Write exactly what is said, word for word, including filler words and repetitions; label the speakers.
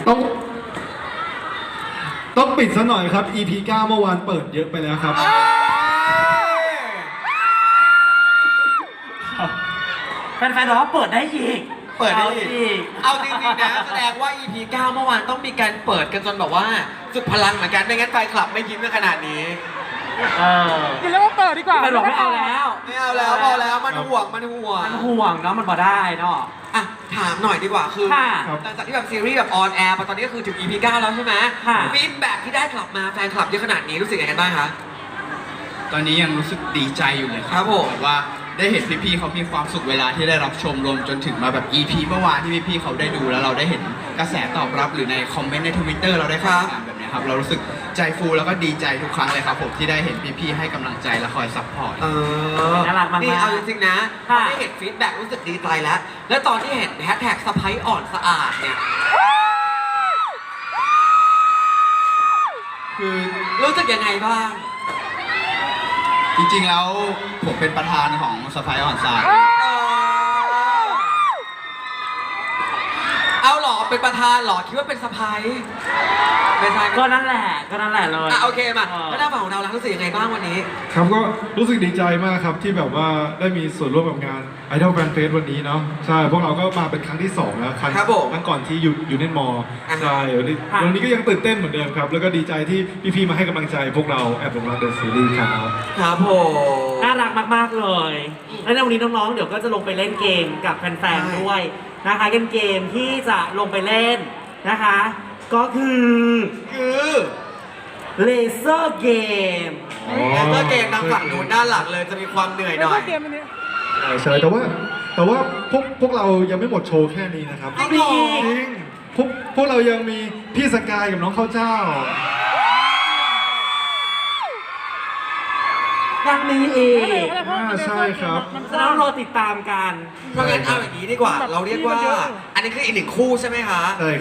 Speaker 1: ต้องต้องปิดซะหน่อยครับ อี พี เก้าเมื่อวานเปิดเยอะไปแล้วครับ
Speaker 2: แฟนๆบอกว่าเปิดได้อีก
Speaker 3: เปิดได้อีกเอาจริงๆนะแสดงว่า อี พี เก้าเมื่อวานต้องมีการเปิดกันจนแบบว่าสุดพลังเหมือนกันไม่งั้นแฟนคลับไม่ยิ้มกันขนาดนี้
Speaker 2: เออ
Speaker 4: กินแล้วว่าเปิดดีกว่า
Speaker 2: แฟนบอกไม่เอาแล้ว
Speaker 3: ไม่เอาแล้วพอแล้วมันห่วงมันห่วง
Speaker 2: มันห่วงเนาะมันพอได้เนาะ
Speaker 3: อ่ะถามหน่อยดีกว่าคือ
Speaker 2: ค่ะ
Speaker 3: หลังจากที่แบบซีรีส์แบบออนแอร์มาตอนนี้ก็คือถึง อี พี เก้าแล้วใช่ไหม
Speaker 2: ค่ะ
Speaker 3: ฟีดแบ็กที่ได้กลับมาแฟนคลับเยอะขนาดนี้รู้สึกยังไงกันบ้างคะ
Speaker 5: ตอนนี้ยังรู้สึกดีใจอยู่เลย
Speaker 3: ครับผม
Speaker 5: แบบว่าได้เห็นพี่ๆเขามีความสุขเวลาที่ได้รับชมรวมจนถึงมาแบบ อี พี เมื่อวานที่พี่ๆเขาได้ดูแล้วเราได้เห็นกระแสตอบรับหรือในคอมเมนต์ใน ทวิตเตอร์ เราได้ฟังกันแบบนี้ครับเรารู้สึกใจฟูแล้วก็ดีใจทุกครั้งเลยครับผมที่ได้เห็นพี่ๆให้กำลังใจและคอยซัพพอร์ต
Speaker 3: เออ
Speaker 2: น่ารักมากๆ
Speaker 3: นี่เอาจริงๆนะพอ
Speaker 2: ค่ะ
Speaker 3: ได้เห็นฟีดแบ็กรู้สึกดีใจแล้วแล้วตอนที่เห็นแฮชแท็กสะพ้ายอ่อนสะอาดเนี่ย
Speaker 5: คือ
Speaker 3: รู้สึกยังไงบ้าง
Speaker 5: จริงๆแล้วผมเป็นประธานของสไปออนซาย
Speaker 3: เอาหรอเป็นประธานหรอคิดว่าเป็นสะพ้ายไม่ใช่
Speaker 2: ก็นั่นแหละก็นั่นแหละเลย
Speaker 3: อ่ะโอเคมา
Speaker 2: เออ
Speaker 3: แล้วหน้าฝั่งของเราล่ะรู้สึกยังไงบ้างวันนี้
Speaker 1: ครับก็รู้สึกดีใจมากครับที่แบบว่าได้มีส่วนร่วมกับงาน Idol Fan Fest วันนี้เนาะใช่พวกเราก็มาเป็นครั้งที่สองแล้วครั้ง
Speaker 3: ครับผม
Speaker 1: ครั้งก่อนที่อยู่อยู่ในมอ
Speaker 3: อ่าฮะ
Speaker 1: ใช่วันนี้
Speaker 2: ค่ะ
Speaker 1: วันนี้ก็ยังตื่นเต้นเหมือนเดิมครับแล้วก็ดีใจที่พี่ๆมาให้กำลังใจพวกเราแอบหลงรักเดอะซีรีส์ครับ
Speaker 3: ครับผม
Speaker 2: น่ารักมากๆเลยแล้วในวันนี้น้องๆเดี๋ยวก็จะลงไปเล่นเกมกับแฟนๆด้วยนะคะเป็นเกมที่จะลงไปเล่นนะคะ ก็คือ
Speaker 3: คือ
Speaker 2: เลเซอร์เกม
Speaker 3: แอนเตอร์เกมทางฝั่งนู้นด้านหลังเลยจะมีความเหนื่อยหน่อย
Speaker 4: เกมอันนี้
Speaker 1: ใช่ใช่แต่ว่าแต่ว่าพวกพวกเรายังไม่หมดโชว์แค่นี้นะครับ
Speaker 3: จริงเหรอ
Speaker 1: จริงพวกพวกเรายังมีพี่สกายกับน้องข้าวเจ้า
Speaker 2: ยังมีอีก
Speaker 1: อ่าใช่ครับ
Speaker 2: จะต้องรอติดตามกัน
Speaker 3: เพราะงั้นเอาอย่างนี้ดีกว่า เราเรียกว่า อันนี้คืออีกหนึ่งคู่ใช่ไหมคะ
Speaker 1: ใช่